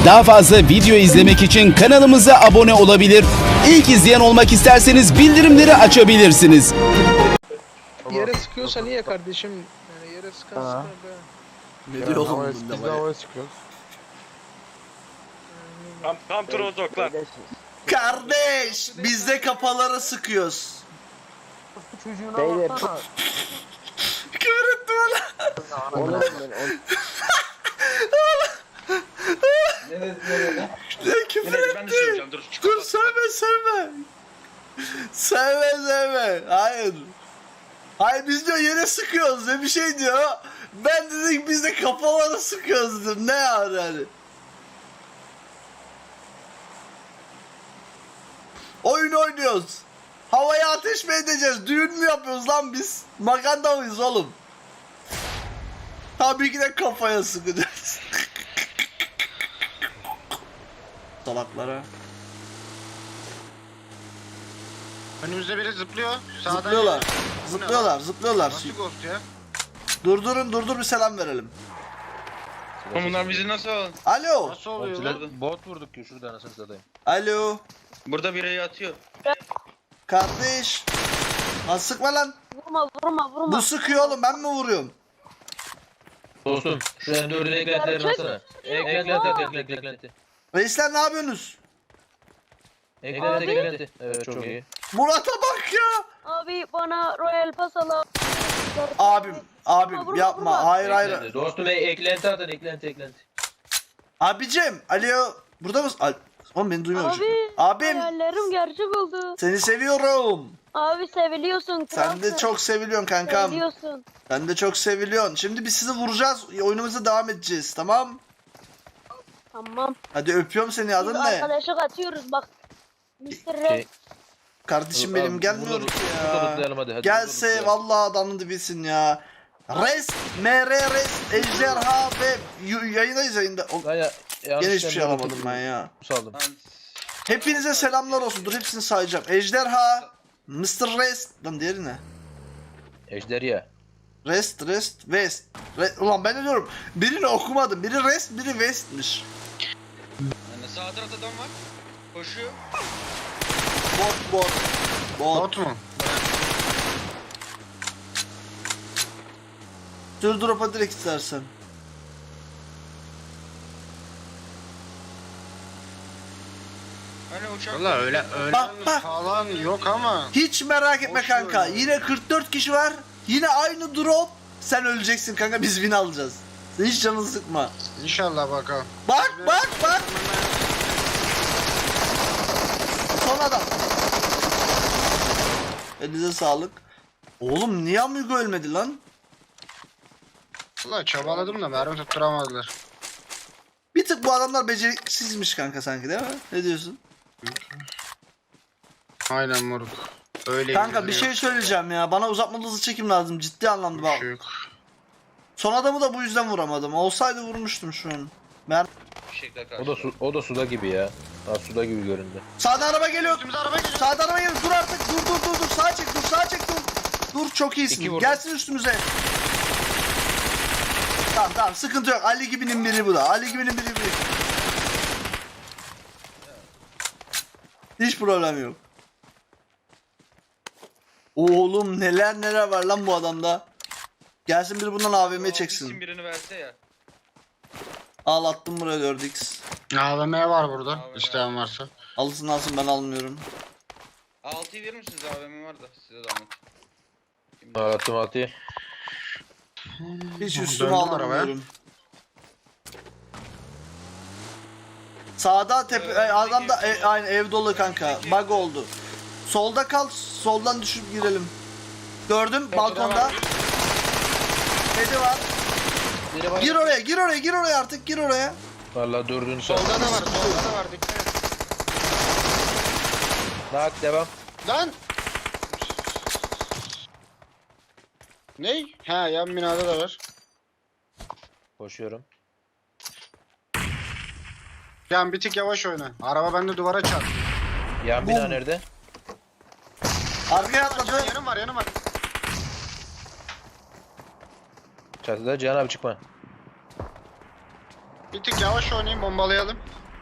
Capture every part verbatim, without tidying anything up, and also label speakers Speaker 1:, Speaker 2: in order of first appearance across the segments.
Speaker 1: Daha fazla video izlemek için kanalımıza abone olabilir. İlk izleyen olmak isterseniz bildirimleri açabilirsiniz.
Speaker 2: Yere sıkıyorsa niye kardeşim? Yani yere sıkan
Speaker 3: Ha.
Speaker 2: sıkar be.
Speaker 4: Ne diyor oğlum
Speaker 3: Biz
Speaker 4: bunda
Speaker 3: de
Speaker 4: var ya?
Speaker 3: havaya çıkıyoruz.
Speaker 5: Tam, tam trozoklar.
Speaker 4: Kardeş biz de kafalara sıkıyoruz.
Speaker 3: Çocuğuna
Speaker 6: Beyler.
Speaker 3: baksana.
Speaker 4: Küfür etti bana.
Speaker 6: Oğlum ben
Speaker 4: Ne küfür
Speaker 5: Neyse, ben de
Speaker 4: etti.
Speaker 5: söyleyeceğim, dur.
Speaker 4: Dur söyleme söyleme. Söyleme söyleme. Hayır. Hayır biz diyor yere sıkıyoruz diye bir şey diyor. Ben dedik biz de kafalara sıkıyoruz dedim. Ne yani yani? Oyun oynuyoruz. Havaya ateş mi edeceğiz? Düğün mü yapıyoruz lan biz? Maganda mıyız oğlum? Tabii ki de kafaya sıkacağız. Salaklara.
Speaker 7: Önümüzde biri zıplıyor. Sağdan
Speaker 4: Zıplıyorlar.
Speaker 7: geliyor. Bu ne
Speaker 4: Zıplıyorlar,
Speaker 7: lan?
Speaker 4: zıplıyorlar.
Speaker 7: Nasıl ghost ya?
Speaker 4: Durdurun, durdur bir selam verelim.
Speaker 5: Bunlar bizi nasıl alın?
Speaker 4: Alo.
Speaker 7: Nasıl oluyor lan?
Speaker 3: Bot, bot vurduk ki şurada anasını satayım.
Speaker 4: Alo.
Speaker 5: Burada biri atıyor.
Speaker 4: Kardeş. Lan sıkma lan.
Speaker 8: Vurma vurma vurma.
Speaker 4: Bu sıkıyor oğlum, ben mi vuruyorum?
Speaker 3: Dostum şu en dördün eklentilerini alsana. Eklenti eklenti eklenti eklenti.
Speaker 4: Reisler ne yapıyorsunuz?
Speaker 3: Eklenti eklenti. Evet çok iyi.
Speaker 4: Murat'a bak ya.
Speaker 8: Abi bana Royal Pass al.
Speaker 4: Abim, abim
Speaker 8: Vurma,
Speaker 4: yapma.
Speaker 8: vurma.
Speaker 4: Hayır hayır.
Speaker 3: Eklenti. Dostum e- eklenti atın eklenti eklenti.
Speaker 4: Abicim, alo. Burada mısın? Al. Oğlum beni duymuyor.
Speaker 8: Abi
Speaker 4: Abim,
Speaker 8: hayallerim gerçek oldu.
Speaker 4: seni seviyorum.
Speaker 8: Abi seviliyorsun.
Speaker 4: Sen de
Speaker 8: kralsın.
Speaker 4: çok seviliyorsun kankam.
Speaker 8: Seviliyorsun.
Speaker 4: Sen de çok seviliyorsun. Şimdi biz sizi vuracağız. Oyunumuza devam edeceğiz, tamam?
Speaker 8: Tamam.
Speaker 4: Hadi öpüyorum seni.
Speaker 8: Biz
Speaker 4: Adın ne?
Speaker 8: arkadaşlık atıyoruz bak. mister Red.
Speaker 3: Şey,
Speaker 4: Kardeşim
Speaker 3: Abi,
Speaker 4: benim gelmiyor
Speaker 3: burada-
Speaker 4: ki
Speaker 3: burada
Speaker 4: ya.
Speaker 3: tutlayalım hadi, hadi,
Speaker 4: Gelse
Speaker 3: burada tutlayalım.
Speaker 4: vallahi adamın dibisin ya. Res, M R Res, Ejderha ve y- yayındayız yayında. O,
Speaker 3: Ben ya,
Speaker 4: gene hiçbir şey alamadım ben ya.
Speaker 3: Saldım.
Speaker 4: Hepinize selamlar olsun. Dur hepsini sayacağım. Ejderha, mister Res, lan diğeri ne?
Speaker 3: Ejderha.
Speaker 4: Rest, Rest, West. Re, ulan ben ne diyorum? Birini okumadım. Biri Rest, biri West'miş.
Speaker 5: Yani sağ tarafta adam var. Koşuyor.
Speaker 4: Bot, bot. Bot.
Speaker 7: Bot mu?
Speaker 4: Dur drop'a direkt istersen.
Speaker 5: Hani uçak.
Speaker 7: Valla öyle öyle
Speaker 4: Bak, bak.
Speaker 7: falan yok ama.
Speaker 4: Hiç merak etme
Speaker 7: Boş
Speaker 4: kanka.
Speaker 7: ver ya.
Speaker 4: Yine kırk dört kişi var. Yine aynı drop. Sen öleceksin kanka. Biz win alacağız. Sen hiç canını sıkma.
Speaker 7: İnşallah bakalım.
Speaker 4: Bak bak bak. Son adam. Elinize sağlık. Oğlum niye Amigo ölmedi lan?
Speaker 7: Valla çabaladım da mermi tutturamadılar.
Speaker 4: Bir tık bu adamlar beceriksizmiş kanka sanki değil mi? Ne diyorsun?
Speaker 7: Aynen moruk. Öyle
Speaker 4: Kanka bir
Speaker 7: gidiyor.
Speaker 4: şey söyleyeceğim ya. Bana uzatmalı hızlı çekim lazım. Ciddi anlamda
Speaker 7: Bir
Speaker 4: bak.
Speaker 7: şey yok.
Speaker 4: Son adamı da bu yüzden vuramadım. Olsaydı vurmuştum şu an. Ben...
Speaker 5: Fişekler karşı.
Speaker 3: O da su, o da suda gibi ya. Ha suda gibi göründü.
Speaker 4: Sağda araba geliyor.
Speaker 7: Üstümüze araba geliyor.
Speaker 4: Sağda araba geliyor. Dur artık. Dur dur dur dur. Sağa çek dur. Sağa çek dur. Dur çok
Speaker 3: İki
Speaker 4: iyisin.
Speaker 3: vurdum.
Speaker 4: Gelsin üstümüze. Tamam tamam sıkıntı yok. Ali gibinin biri bu da. Ali gibinin biri biri. Hiç problem yok. Oğlum neler neler var lan bu adamda. Gelsin biri bundan A V M
Speaker 5: İsim
Speaker 4: çeksin.
Speaker 5: birini verse ya.
Speaker 4: Al attım buraya dört x.
Speaker 7: A V M var burada.
Speaker 5: A V M.
Speaker 7: İsteyen varsa.
Speaker 4: Alsın alsın ben almıyorum.
Speaker 5: altıyı verir misiniz? A V M var da size de anlat.
Speaker 3: Attım altıyı.
Speaker 4: Hiç üstüme
Speaker 7: Döndüm arabaya.
Speaker 4: almıyorum. Sağda tepe e, adam da e, aynı ev dolu kanka. Bug oldu. Solda kal. Soldan düşüp girelim. Gördüm balkonda. Kedi var.
Speaker 3: Biri var.
Speaker 4: Gir oraya, gir oraya, gir oraya artık, gir oraya.
Speaker 3: Valla dördüncü sen.
Speaker 7: Solda da var. Solda da var. Dikkat et.
Speaker 3: Nak devam.
Speaker 7: Lan! Ney? Ha yan binada da var.
Speaker 3: Koşuyorum.
Speaker 7: Yan bir tık yavaş oyna. Araba bende duvara çarp.
Speaker 3: Yan bina
Speaker 4: Bum.
Speaker 3: nerede?
Speaker 4: Arkaya atladı.
Speaker 7: Yanım var yanım var.
Speaker 3: Çatıda Cihan abi çıkma.
Speaker 7: Bir tık yavaş oynayayım, bombalayalım.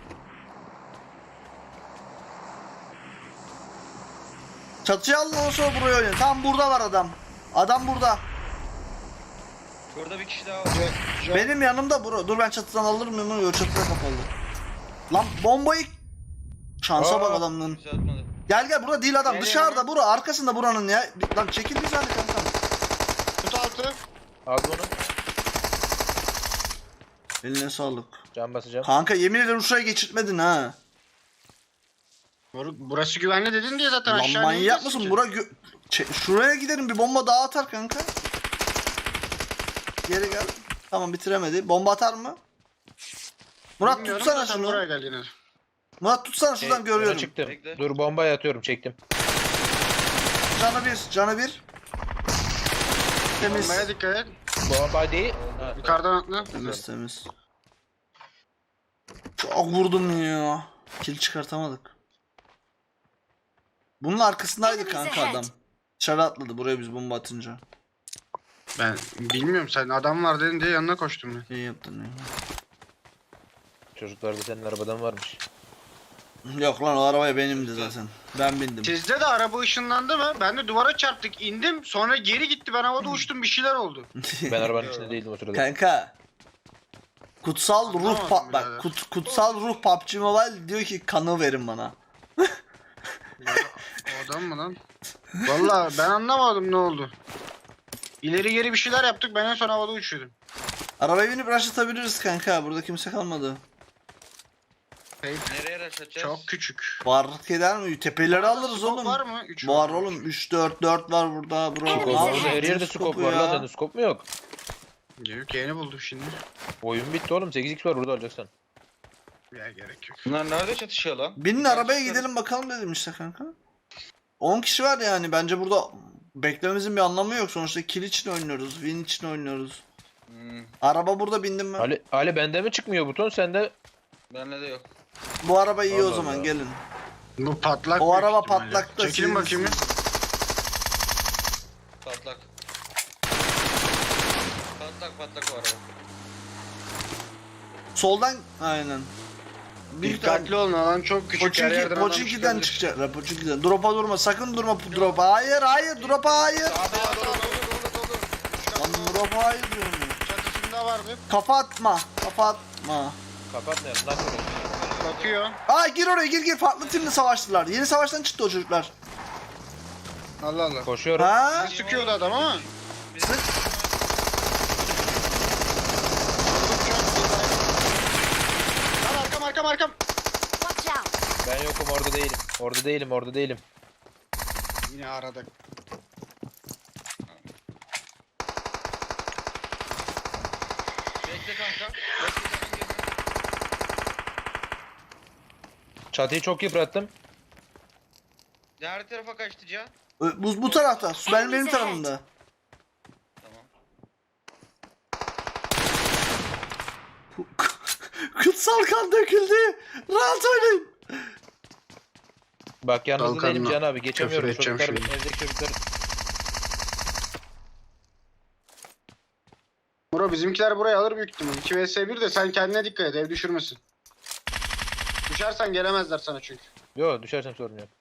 Speaker 4: Çatıya alın ondan sonra buraya oynayın. Tam burada var adam. Adam burada.
Speaker 5: Burada bir kişi daha var.
Speaker 7: Ce- ce-
Speaker 4: Benim yanımda bro. Dur ben çatıdan alırım onu. Yok çatıda kapalı. Lan bombayı... Şansa bak
Speaker 3: Aa.
Speaker 4: adamın.
Speaker 5: Bizi atmadı.
Speaker 4: Gel gel burada değil adam.
Speaker 7: Nereye
Speaker 4: Dışarıda
Speaker 7: lan?
Speaker 4: bura. Arkasında buranın ya. Bir- Lan çekil bir tane kankam.
Speaker 7: Tut altı.
Speaker 3: Abi onu.
Speaker 4: Eline sağlık.
Speaker 3: Can basacağım.
Speaker 4: Kanka yemin ederim şuraya geçirtmedin ha.
Speaker 7: Moruk, burası güvenli dedin diye zaten
Speaker 4: Lan
Speaker 7: aşağı
Speaker 4: manyak
Speaker 7: ineceksin
Speaker 4: mısın?
Speaker 7: ki.
Speaker 4: Bura gö- Ç- şuraya gidelim bir bomba daha atar kanka. Geri gel. Tamam bitiremedi. Bomba atar mı? Murat
Speaker 7: Bilmiyorum
Speaker 4: tutsana
Speaker 7: da sen
Speaker 4: şunu.
Speaker 7: buraya gel yine.
Speaker 4: Murat tutsana şuradan
Speaker 3: Şey,
Speaker 4: görüyorum.
Speaker 3: yola Çıktım.
Speaker 5: Bekle.
Speaker 3: Dur bombayı atıyorum çektim.
Speaker 4: Canı bir, canı bir. Temiz.
Speaker 7: Bombaya dikkat et.
Speaker 3: Bomba değil. Ha,
Speaker 7: Yukarıdan atla.
Speaker 4: Temiz temiz. Çok vurdum ya. Kill çıkartamadık. Bunun arkasındaydı kanka adam. Dışarı atladı buraya biz bomba atınca.
Speaker 7: Ben bilmiyorum, sen adam var dedin diye yanına koştum ben.
Speaker 4: İyi yaptın ya.
Speaker 3: Çocuklar da senin arabadan varmış.
Speaker 4: Yok lan o arabaya benimdi zaten. Ben bindim.
Speaker 7: Sizde de araba ışınlandı mı? Ben de duvara çarptık, indim, sonra geri gitti, ben havada uçtum, bir şeyler oldu.
Speaker 3: Ben arabanın içinde değildim o sırada.
Speaker 4: Kanka. Kutsal ruh
Speaker 7: Anlamadım
Speaker 4: pa- bak
Speaker 7: birader.
Speaker 4: kut- kutsal ruh P U B G Mobile diyor ki kanı verin bana.
Speaker 7: Ya, o adam mı lan? Vallahi ben anlamadım ne oldu. İleri geri bir şeyler yaptık, ben en son havada uçuyordum.
Speaker 4: Arabaya binip rush atabiliriz kanka. Burada kimse kalmadı.
Speaker 5: Nereye rush atacağız?
Speaker 7: Çok küçük.
Speaker 4: Fark eder mi? Tepeleri alırız
Speaker 7: Scope
Speaker 4: oğlum.
Speaker 7: var mı? Üç
Speaker 4: Var oğlum. üç dört dört var burada. Bro.
Speaker 8: Scope
Speaker 4: Ne
Speaker 8: var.
Speaker 4: yapıyorsun?
Speaker 3: Her yerde
Speaker 4: Scope'u
Speaker 3: skop var
Speaker 4: ya.
Speaker 3: lan sende skop mu yok?
Speaker 7: Yok, yeni buldum şimdi.
Speaker 3: Oyun bitti oğlum sekiz x var burada alacaksın.
Speaker 7: Ya gerek yok.
Speaker 5: Bunlar nerede çatışıyor lan?
Speaker 4: Binin arabaya gidelim bakalım dedim işte kanka. on kişi var yani. Bence burada beklememizin bir anlamı yok. Sonuçta kill için oynuyoruz. Win için oynuyoruz.
Speaker 5: Hmm,
Speaker 4: Araba burada bindim ben.
Speaker 3: Ali, Ali bende mi çıkmıyor buton sende?
Speaker 5: bende de yok.
Speaker 4: Bu araba iyi o
Speaker 3: Allah
Speaker 4: zaman
Speaker 3: Allah.
Speaker 4: gelin.
Speaker 7: Bu patlak.
Speaker 4: O
Speaker 7: büyük
Speaker 4: araba
Speaker 7: ihtimalle.
Speaker 4: patlak da
Speaker 7: Çekilin
Speaker 4: siz-
Speaker 7: bakayım bir.
Speaker 5: Patlak. Patlak patlak o araba.
Speaker 4: Soldan aynen. Bir
Speaker 7: Dikkatli olun, alan çok küçük. her
Speaker 4: Poçinki,
Speaker 7: yerden adam
Speaker 4: Poçinki'den
Speaker 7: çıkabilir.
Speaker 4: çıkacak. La Poçinki'den. Drop'a durma. Sakın durma drop'a. Hayır hayır drop'a hayır.
Speaker 7: Sağda sağda dolu dolu dolu.
Speaker 4: Lan drop'a hayır diyorum ya.
Speaker 7: Çatısında vardı.
Speaker 4: Kafa atma. Kafa atma.
Speaker 3: Kapat ne? Lan oraya.
Speaker 7: Bakıyor.
Speaker 4: Aa gir oraya gir gir. Farklı timle savaştılar. Yeni savaştan çıktı o çocuklar.
Speaker 7: Allah Allah.
Speaker 3: Koşuyorum.
Speaker 4: Ha?
Speaker 7: Bir sıkıyordu adam ama.
Speaker 4: Sık.
Speaker 7: Lan arkam arkam arkam.
Speaker 8: Watch out!
Speaker 3: Ben yokum orada değilim. Orada değilim orada değilim.
Speaker 7: Yine aradık.
Speaker 5: Bekle kanka. Bekle sen girme.
Speaker 3: Çatıyı çok yıprattım.
Speaker 5: Diğer tarafa kaçtı Can.
Speaker 4: Ö, Bu, bu tarafta. Su benim benim tarafımda.
Speaker 5: Tamam.
Speaker 4: Kutsal kan döküldü. Rahat oynayın.
Speaker 3: Bak yalnız
Speaker 7: Dalkanla
Speaker 3: değilim Can abi geçemiyorum.
Speaker 7: küfür edeceğim
Speaker 3: Çocuklar
Speaker 7: şimdi.
Speaker 3: evdeki çocuklar.
Speaker 7: Bro bizimkiler burayı alır büyük ihtimal. iki vs bir de sen kendine dikkat et, ev düşürmesin. Düşersen gelemezler sana çünkü.
Speaker 3: Yo düşersem sorun yok.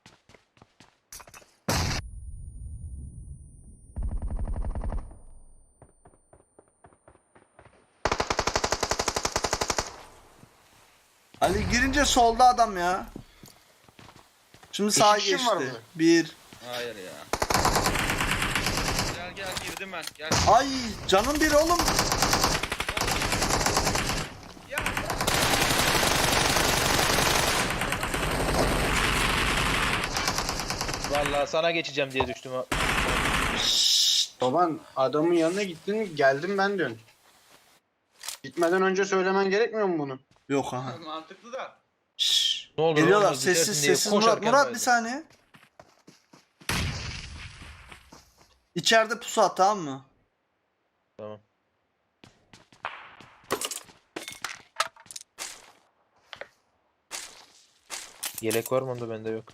Speaker 4: Ali girince solda adam ya. Şimdi sağa
Speaker 7: kişi mi
Speaker 4: geçti.
Speaker 7: var burada?
Speaker 4: Bir.
Speaker 5: Hayır ya. Gel gel girdim ben. Gel.
Speaker 4: Ay canım bir oğlum.
Speaker 3: Vallahi sana geçeceğim diye düştüm. ha.
Speaker 7: Baban adamın yanına gittin, geldim ben diyorsun. Gitmeden önce söylemen gerekmiyor mu bunu?
Speaker 4: Yok aha.
Speaker 5: Mantıklı da.
Speaker 4: Şşş.
Speaker 3: Ne olur
Speaker 4: Geliyorlar
Speaker 3: olmaz,
Speaker 4: sessiz
Speaker 3: bitersin diye
Speaker 4: sessiz Murat
Speaker 3: koşarken
Speaker 4: Murat
Speaker 3: verdim.
Speaker 4: bir saniye. İçeride pusu at tamam mı?
Speaker 3: Tamam. Yelek var mı onda bende yok.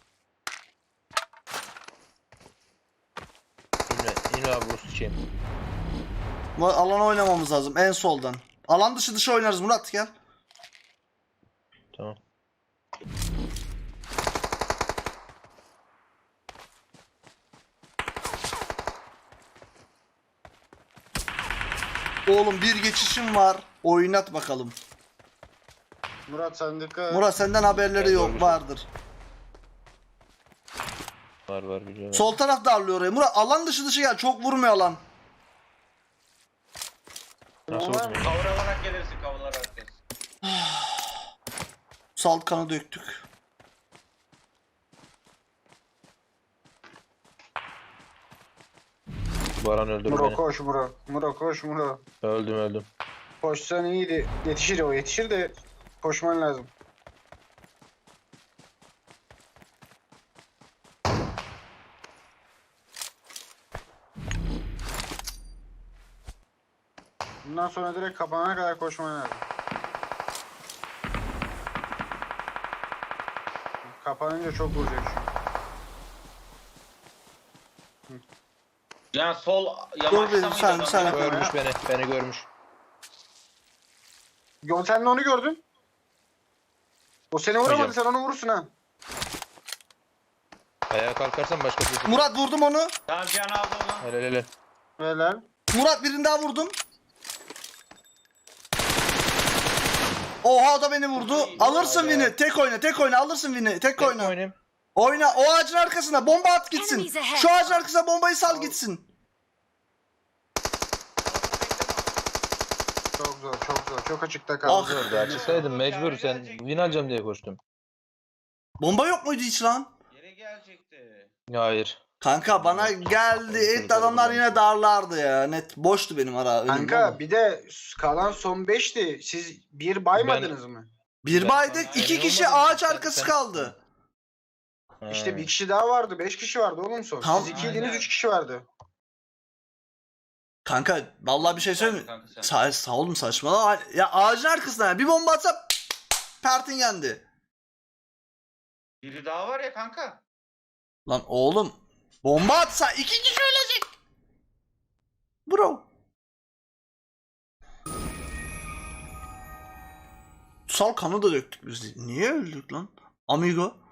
Speaker 3: İnme, inme abi bu sıçayım.
Speaker 4: Murat, alana oynamamız lazım en soldan. Alan dışı dışı oynarız Murat gel.
Speaker 3: Tamam.
Speaker 4: Oğlum bir geçişim var. Oynat bakalım.
Speaker 7: Murat sen dikkat et.
Speaker 4: Murat senden haberleri yok vardır.
Speaker 3: Var var biliyorum.
Speaker 4: Sol taraf darlıyor oraya. Murat alan dışı dışı gel. Çok vurmuyor alan.
Speaker 3: Nasıl
Speaker 7: Normal.
Speaker 3: olmuyor?
Speaker 5: Kavralarak gelirsin kavralarak gelirsin.
Speaker 4: Salt kanı döktük.
Speaker 3: Baran öldürdü
Speaker 7: Muro
Speaker 3: beni.
Speaker 7: koş Muro. Muro koş Muro.
Speaker 3: Öldüm öldüm.
Speaker 7: Koşsan iyiydi. Yetişir o yetişir de koşman lazım. Bundan sonra direkt kapanana kadar koşman lazım. Kapanınca çok vuracak şu.
Speaker 5: Ya sol
Speaker 4: Dur
Speaker 5: yamaçta
Speaker 4: bir
Speaker 5: mıydı
Speaker 4: sen
Speaker 5: adam?
Speaker 4: sen.
Speaker 3: Görmüş beni. Beni görmüş.
Speaker 7: Yo, sen de onu gördün. O seni vuramadı,
Speaker 3: Hocam.
Speaker 7: sen onu vurursun ha.
Speaker 3: Ayağa kalkarsan başka bir şey.
Speaker 4: Murat vurdum onu.
Speaker 5: Tamam can aldı onu.
Speaker 3: Helal helal.
Speaker 7: Helal.
Speaker 4: Murat birini daha vurdum. Oha o da beni vurdu. Alırsın Vin'i. Tek oyna, tek oyna. Alırsın Vin'i. Tek
Speaker 3: Oyna.
Speaker 4: oyna.
Speaker 3: Oynayayım.
Speaker 4: Oyna. O ağacın arkasına bomba at gitsin.
Speaker 8: Enemies ahead.
Speaker 4: Şu ağacın arkasına bombayı sal gitsin.
Speaker 7: Çok zor, çok zor. Çok açıkta
Speaker 4: Ah.
Speaker 7: kaldı.
Speaker 3: Orada açıksaydım mecbur sen win alacağım diye koştum.
Speaker 4: Bomba yok muydu hiç lan?
Speaker 5: Geri gelecekti.
Speaker 3: Hayır.
Speaker 4: Kanka bana geldi. Et adamlar yine darlardı ya. Net boştu benim ara önüm.
Speaker 7: Kanka bir de kalan son beşti. Siz bir baymadınız mı?
Speaker 4: Bir
Speaker 3: Ben-
Speaker 4: baydık.
Speaker 3: Ben-
Speaker 4: iki
Speaker 3: Ben
Speaker 4: kişi
Speaker 3: olmadım.
Speaker 4: ağaç
Speaker 3: Sen-
Speaker 4: arkası
Speaker 3: sen-
Speaker 4: kaldı.
Speaker 7: İşte
Speaker 3: Ha.
Speaker 7: bir kişi daha vardı. Beş kişi vardı oğlum son.
Speaker 4: Tamam.
Speaker 7: Siz ikiydiniz,
Speaker 5: Aynen.
Speaker 7: üç kişi vardı.
Speaker 4: Kanka vallahi bir şey söyleyeyim mi?
Speaker 5: Kanka sen.
Speaker 4: Sa sağ olun saçmalama. Ya ağacın arkasına ya. Bir bomba atsam Pertin yendi.
Speaker 5: Biri daha var ya kanka.
Speaker 4: Lan oğlum bomba atsa iki kişi ölecek. Bro. Sal kanı da döktük biz. Niye öldük lan? Amigo.